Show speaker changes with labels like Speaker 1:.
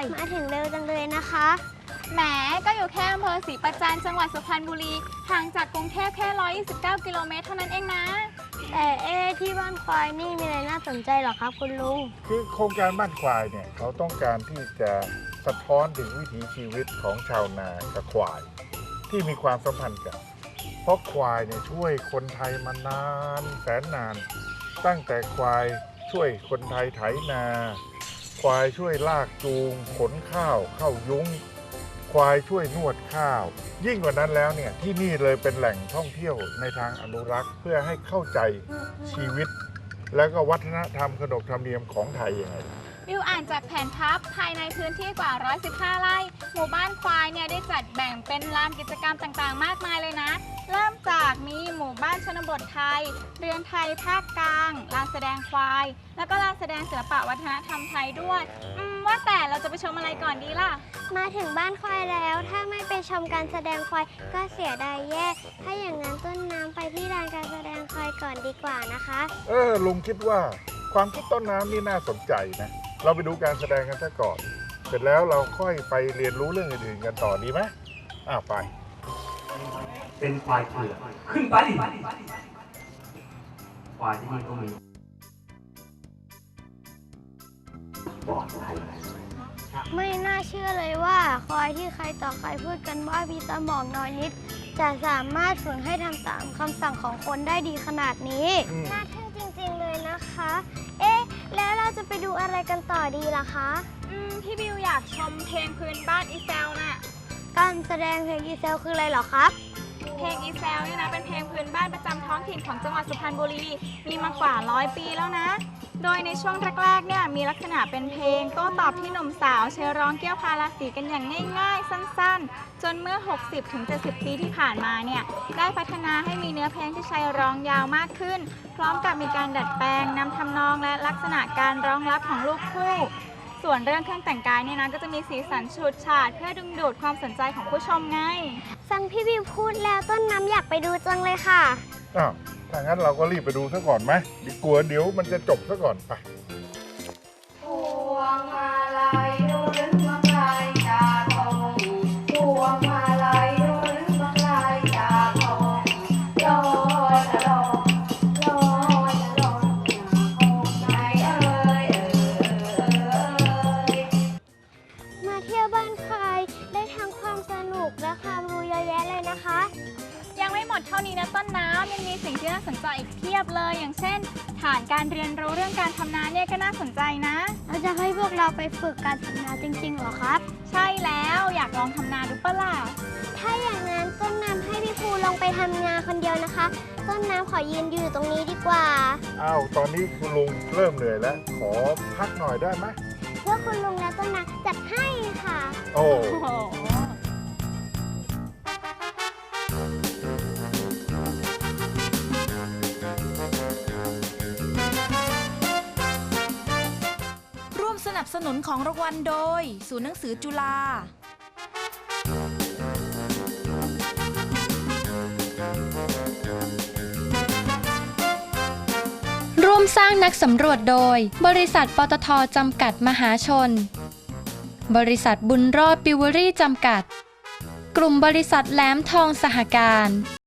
Speaker 1: มาถึงเร็วจังเลยนะคะ
Speaker 2: แหมก็อยู่แค่อำเภอศรีประจันจังหวัดสุพรรณบุรีห่างจากกรุงเทพแค่129 กิโลเมตรเท่านั้นเองนะ
Speaker 1: แต่ที่บ้านควายนี่มีอะไรน่าสนใจหรอครับคุณลุง
Speaker 3: คือโครงการบ้านควายเนี่ยเขาต้องการที่จะสะท้อนถึงวิถีชีวิตของชาวนากับควายที่มีความสัมพันธ์กันเพราะควายเนี่ยช่วยคนไทยมานานแสนนานตั้งแต่ควายช่วยคนไทยไถนาควายช่วยลากจูงขนข้าวเข้ายุ้งควายช่วยนวดข้าวยิ่งกว่านั้นแล้วเนี่ยที่นี่เลยเป็นแหล่งท่องเที่ยวในทางอนุรักษ์เพื่อให้เข้าใจชีวิตแล้วก็วัฒนธรรมขนบธรรมเนียมของไทยยังไง
Speaker 2: วิวอ่านจากแผนพับภายในพื้นที่กว่า115 ไร่หมู่บ้านควายเนี่ยได้จัดแบ่งเป็นลานกิจกรรมต่างๆมากมายเลยนะเริ่มจากมีหมู่บ้านชนบทไทยเรือนไทยภาคกลางลานแสดงควายแล้วก็ลานแสดงศิลปะวัฒนธรรมไทยด้วยว่าแต่เราจะไปชมอะไรก่อนดีล่ะ
Speaker 1: มาถึงบ้านควายแล้วถ้าไม่ไปชมการแสดงควายก็เสียดายแย่ถ้าอย่างนั้นต้นน้ำไปที่ลานการแสดงควายก่อนดีกว่านะคะ
Speaker 3: ลุงคิดว่าความคิดต้นน้ำนี่น่าสนใจนะเราไปดูการแสดงกันซะก่อนเสร็จแล้วเราค่อยไปเรียนรู้เรื่องอื่นๆกันต่อดีไหมไป
Speaker 4: เป็นควายเผือกขึ้นไปควายที่นี่ก็มีปลอดภัย
Speaker 1: ไม่น่าเชื่อเลยว่าควายที่ใครต่อใครพูดกันว่ามีสมองน้อยนิดจะสามารถฝึกให้ทำตามคำสั่งของคนได้ดีขนาดนี้น่าทึ่งจริงๆเลยนะคะแล้วเราจะไปดูอะไรกันต่อดีล่ะคะ
Speaker 2: พี่บิวอยากชมเพลงพื้นบ้านอีแซวน่ะ
Speaker 1: การแสดงเพลงอีแซวคืออะไรเหรอครับ
Speaker 2: เพลงอีแซวเนี่ยนะเป็นเพลงพื้นบ้านประจำท้องถิ่นของจังหวัดสุพรรณบุรีมีมากว่า100 ปีแล้วนะโดยในช่วงแรกๆเนี่ยมีลักษณะเป็นเพลงโต้ตอบที่หนุ่มสาวใช้ร้องเกี่ยวพาราสีกันอย่างง่ายๆสั้นๆจนเมื่อ 60-70 ปีที่ผ่านมาเนี่ยได้พัฒนาให้มีเนื้อเพลงที่ใช้ร้องยาวมากขึ้นพร้อมกับมีการดัดแปลงนำทำนองและลักษณะการร้องรับของลูกคู่ส่วนเรื่องเครื่องแต่งกายเนี่ยนะก็จะมีสีสันฉูดฉาดเพื่อดึงดูดความสนใจของผู้ชมไง
Speaker 1: ฟังพี่บิวพูดแล้วต้นน้ำอยากไปดูจังเลยค่ะ
Speaker 3: ถ้างั้นเราก็รีบไปดูซะก่อนไหมดีกลัวเดี๋ยวมันจะจบซะก่อนไป
Speaker 5: พวงมาลัยดูหรือมาลัยจากทองพวงมาลัยดูหรือมาลัยจากทองลอยละลอยลอยละลอยไหน
Speaker 1: มาเที่ยวบ้านควายได้ทั้งความสนุกและความรู้เยอะแยะเลยนะคะ
Speaker 2: ยังไม่หมดเท่านี้นะต้นน้ำยังมีสิ่งที่น่าสนใจอีกเพียบเลยอย่างเช่นฐานการเรียนรู้เรื่องการทำนาเนี่ยก็น่าสนใจนะ
Speaker 1: เราจะให้พวกเราไปฝึกการทำนาจริงๆเหรอครับ
Speaker 2: ใช่แล้วอยากลองทำนาดูปะล่ะ
Speaker 1: ถ้าอย่างนั้นต้นน้ำให้พี่ภูลงไปทำนาคนเดียวนะคะต้นน้ำขอยืนอยู่ตรงนี้ดีกว่า
Speaker 3: ตอนนี้คุณลุงเริ่มเหนื่อยแล้วขอพักหน่อยได้ไหม
Speaker 1: เพื่อคุณลุงและต้นน้ำจัดให้ค่ะ
Speaker 3: โอ้
Speaker 6: สนับสนุนของรางวัลโดยศูนย์หนังสือจุฬาร่วมสร้างนักสำรวจโดยบริษัทปตท.จำกัดมหาชนบริษัทบุญรอดปิวเวอรี่จำกัดกลุ่มบริษัทแหลมทองสหการ